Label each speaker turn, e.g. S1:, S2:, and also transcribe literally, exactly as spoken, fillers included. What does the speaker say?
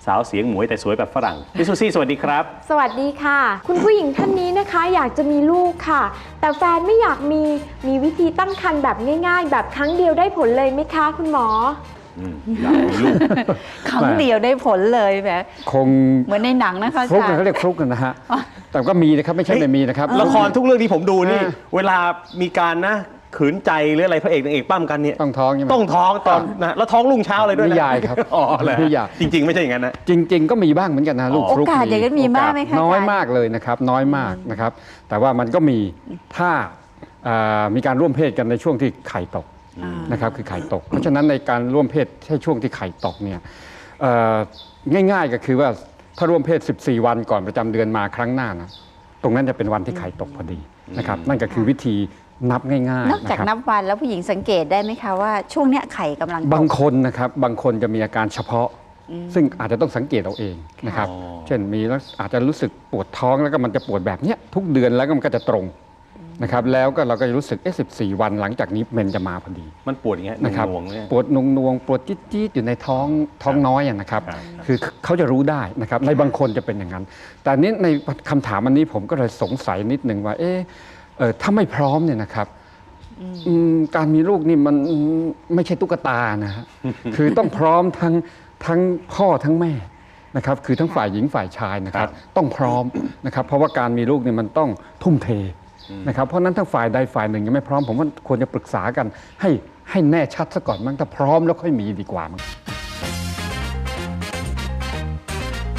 S1: สาวเสียงหมวยแต่สวยแบบฝรั่งพี่ซูซี่สวัสดีครับ
S2: สวัสดีค่ะคุณผู้หญิงท่านนี้นะคะอยากจะมีลูกค่ะแต่แฟนไม่อยากมีมีวิธีตั้งครรภ์แบบง่ายๆแบบครั้งเดียวได้ผลเลยไหมคะคุณหมอ
S1: อยากมีลูก
S3: ครั้งเดียวได้ผลเลยแบบ
S4: คง
S3: เหมือนในหนังนะคะ
S4: ฟลุกเขาเรียกฟลุกนะฮะแต่ก็มีนะครับไม่ใช่ไม่มีนะครับ
S1: ละครทุกเรื่องที่ผมดูนี่เวลามีการนะขืนใจหรืออะไรพระเอกนางเอกปั้มกันเนี่ย
S4: ต้องท้องใช่ไหม
S1: ต้องท้องตอนนะแล้วท้องรุ่งเช้าเลยด้วยนะ
S4: นิยายครับ
S1: อ๋อเลย
S4: นิยาย
S1: จริงๆไม่ใช่อย่างนั้นนะ
S4: จริงๆก็มีบ้างเหมือนกันนะลูกฟลุก
S3: โอกาสอย่างนั้นมีมากไหมคะ
S4: น้อยมากเลยนะครับน้อยมากนะครับแต่ว่ามันก็มีถ้ามีการร่วมเพศกันในช่วงที่ไข่ตกนะครับคือไข่ตกเพราะฉะนั้นในการร่วมเพศใช่ช่วงที่ไข่ตกเนี่ยง่ายๆก็คือว่าถ้าร่วมเพศสิบสี่วันก่อนประจำเดือนมาครั้งหน้านะตรงนั้นจะเป็นวันที่ไข่ตกพอดีนะครับนั่นก็คือวิธีนับง่ายๆ
S3: นอกจากนับวันแล้วผู้หญิงสังเกตได้ไหมคะว่าช่วงเนี้ยไข่กำลัง
S4: บางคนนะครับบางคนจะมีอาการเฉพาะซึ่งอาจจะต้องสังเกตเอาเองนะครับเช่นมีแล้วอาจจะรู้สึกปวดท้องแล้วก็มันจะปวดแบบเนี้ยทุกเดือนแล้วก็มันก็จะตรงนะครับแล้วก็เราก็จะรู้สึกเอ๊ะสิบสี่วันหลังจากนี้เมนจะมาพอดี
S1: มันปวดอย่างเงี้ย
S4: นะครับ
S1: นวงเนี่ย
S4: ปวดนวงนวงปวดจี๊ดจี๊ดอยู่ในท้องท้องน้อยนะครับคือเขาจะรู้ได้นะครับในบางคนจะเป็นอย่างนั้นแต่นี้ในคำถามอันนี้ผมก็เลยสงสัยนิดนึงว่าเอ๊ะถ้าไม่พร้อมเนี่ยนะครับการมีลูกนี่มันไม่ใช่ตุ๊กตานะฮะคือต้องพร้อมทั้งทั้งพ่อทั้งแม่นะครับคือทั้งฝ่ายหญิงฝ่ายชายนะครับต้องพร้อมนะครับเพราะว่าการมีลูกนี่มันต้องทุ่มเทนะครับเพราะนั้นทั้งฝ่ายใดฝ่ายหนึ่งยังไม่พร้อมผมว่าควรจะปรึกษากันให้ให้แน่ชัดซะก่อนมั้งถ้าพร้อมแล้วค่อยมีดีกว่ามั้ง